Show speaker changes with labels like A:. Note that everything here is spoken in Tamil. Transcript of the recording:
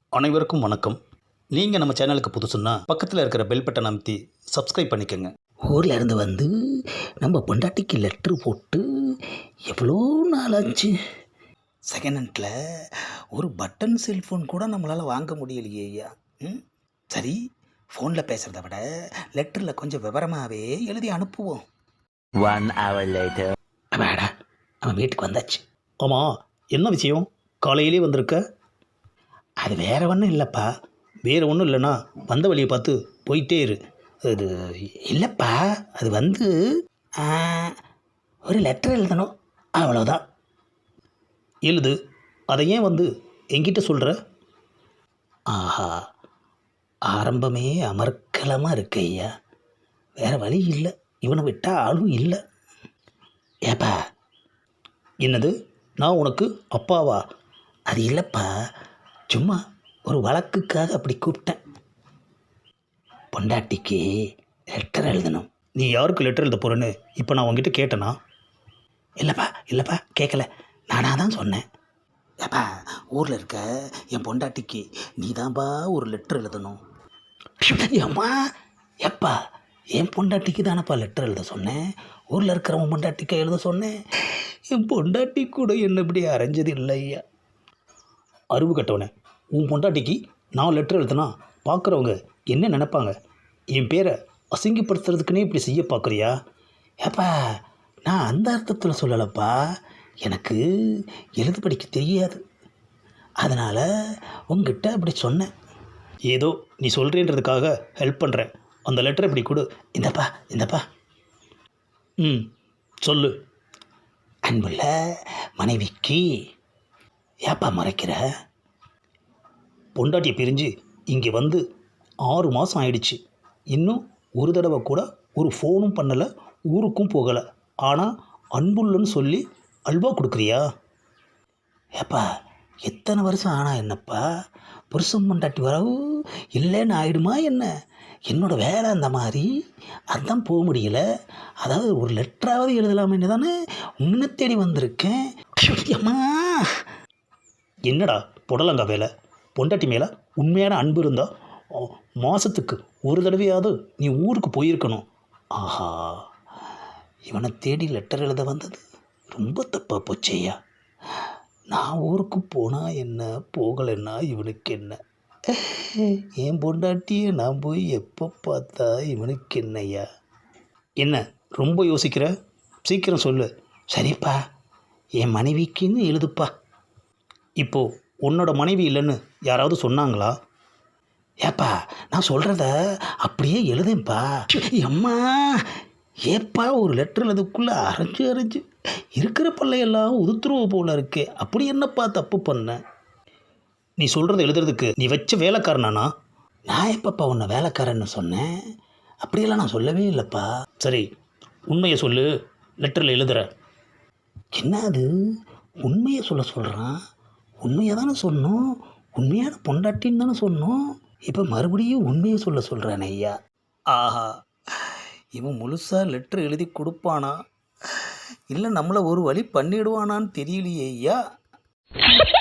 A: அனைவருக்கும் வணக்கம். நீங்கள் நம்ம சேனலுக்கு புதுசுன்னா பக்கத்தில் இருக்கிற பெல் பட்டன் அமைத்தி சப்ஸ்கிரைப் பண்ணிக்கோங்க.
B: ஊரில் இருந்து வந்து நம்ம பொண்டாட்டிக்கு லெட்ரு போட்டு எவ்வளோ நாள் ஆச்சு. செகண்ட் ஹேண்டில் ஒரு பட்டன் செல்ஃபோன் கூட நம்மளால் வாங்க முடியலையே ஐயா. சரி, ஃபோனில் பேசுகிறத விட லெட்டரில் கொஞ்சம் விவரமாகவே எழுதி அனுப்புவோம்.
C: 1 hour later.
B: அப்பாடா, அவன் வீட்டுக்கு வந்தாச்சு.
A: ஆமாம், என்ன விஷயம்? காலையிலே வந்திருக்க?
B: அது வேற ஒன்றும் இல்லைப்பா.
A: வேறு ஒன்றும் இல்லைன்னா வந்த வழியை பார்த்து போயிட்டே இரு.
B: அது இல்லைப்பா, அது வந்து ஆ, ஒரு லெட்டர் எழுதணும், அவ்வளோதான்.
A: எழுது. அதை ஏன் வந்து என்கிட்ட சொல்கிற?
B: ஆஹா, ஆரம்பமே அமர்க்கலமாக இருக்கு ஐயா. வேற வழி இல்லை, இவனை விட்டால் ஆளும் இல்லை. ஏப்பா,
A: என்னது? நான் உனக்கு அப்பாவா?
B: அது இல்லைப்பா, சும்மா ஒரு வழக்குக்காக அப்படி கூப்பிட்டேன். பொண்டாட்டிக்கு லெட்டர் எழுதணும்.
A: நீ யாருக்கு லெட்டர் எழுத போகிறேன்னு இப்போ நான் உங்ககிட்ட கேட்டேனா?
B: இல்லைப்பா கேட்கல, நானாக தான் சொன்னேன். ஏப்பா, ஊரில் இருக்க என் பொண்டாட்டிக்கு நீ தான்ப்பா ஒரு லெட்டர் எழுதணும். அம்மா, எப்பா, என் பொண்டாட்டிக்கு தானப்பா லெட்டர் எழுத சொன்னேன். ஊரில் இருக்கிறவன் பொண்டாட்டிக்கு எழுத சொன்னேன். என் பொண்டாட்டி கூட என்ன இப்படி அரைஞ்சது இல்லை ஐயா.
A: அறிவு கட்டவனே, உன் பொண்டாட்டிக்கு நான் லெட்டர் எழுதுனா பார்க்குறவங்க என்ன நினைப்பாங்க? என் பேரை அசிங்கப்படுத்துறதுக்குன்னே இப்படி செய்ய பார்க்குறியா?
B: ஏப்பா, நான் அந்த அர்த்தத்தில் சொல்லலைப்பா. எனக்கு எழுத படிக்க தெரியாது, அதனால் உங்ககிட்ட அப்படி சொன்னேன்.
A: ஏதோ நீ சொல்கிறேன்றதுக்காக ஹெல்ப் பண்ணுறேன். அந்த லெட்டரை இப்படி கொடு.
B: இந்தப்பா.
A: சொல்லு.
B: அன்புள்ள மனைவிக்கு. ஏப்பா முறைக்கிற?
A: பொண்டாட்டியை பிரிஞ்சு இங்கே வந்து 6 மாதம் ஆயிடுச்சு. இன்னும் ஒரு தடவை கூட ஒரு ஃபோனும் பண்ணலை, ஊருக்கும் போகலை. ஆனால் அன்புள்ளன்னு சொல்லி அல்வா கொடுக்குறியா?
B: ஏப்பா, எத்தனை வருஷம் ஆனா என்னப்பா, புருஷன் பொண்டாட்டி வரவு இல்லைன்னு ஆயிடுமா என்ன? என்னோட வேலை அந்த மாதிரி, அதான் போக முடியல. அதாவது ஒரு லெட்டராவது எழுதலாமேன்னு தானே உன்னை தேடி வந்திருக்கேன். அம்மா,
A: என்னடா புடலங்கா வேலை? பொண்டாட்டி மேலே உண்மையான அன்பு இருந்தால் மாதத்துக்கு ஒரு தடவையாவது நீ ஊருக்கு போயிருக்கணும்.
B: ஆஹா, இவனை தேடி லெட்டர் எழுத வந்தது ரொம்ப தப்பாக போச்சேயா. நான் ஊருக்கு போனால் என்ன, போகலைன்னா இவனுக்கு என்ன? என் பொண்டாட்டியை நான் போய் எப்போ பார்த்தா இவனுக்கு என்னையா?
A: என்ன ரொம்ப யோசிக்கிற? சீக்கிரம் சொல்லு.
B: சரிப்பா, என் மனைவிக்குன்னு எழுதுப்பா.
A: இப்போது உன்னோட மனைவி இல்லைன்னு யாராவது சொன்னாங்களா?
B: ஏப்பா, நான் சொல்கிறத அப்படியே எழுதேன்ப்பா. அம்மா, ஏப்பா ஒரு லெட்டர் எழுதுக்குள்ளே அரைஞ்சு இருக்கிற பல்லையெல்லாம் உதுத்துருவ போல இருக்கே. அப்படி என்னப்பா தப்பு பண்ண?
A: நீ சொல்கிறத எழுதுறதுக்கு நீ வச்ச வேலைக்காரனானா?
B: நான் எப்பப்பா உன்னை வேலைக்காரன்னு சொன்னேன்? அப்படியெல்லாம் நான் சொல்லவே இல்லைப்பா.
A: சரி, உண்மையை சொல்லு. லெட்டரில் எழுதுகிற.
B: என்ன அது, உண்மையை சொல்கிறான்? உண்மையை தானே சொன்னோம், உண்மையான பொண்டாட்டின்னு தானே சொன்னோம். இப்போ மறுபடியும் உண்மையை சொல்கிறானே ஐயா.
A: ஆஹா,
B: இவன் முழுசாக லெட்ரு எழுதி கொடுப்பானா, இல்லை நம்மளை ஒரு வழி பண்ணிடுவானான்னு தெரியலையே ஐயா.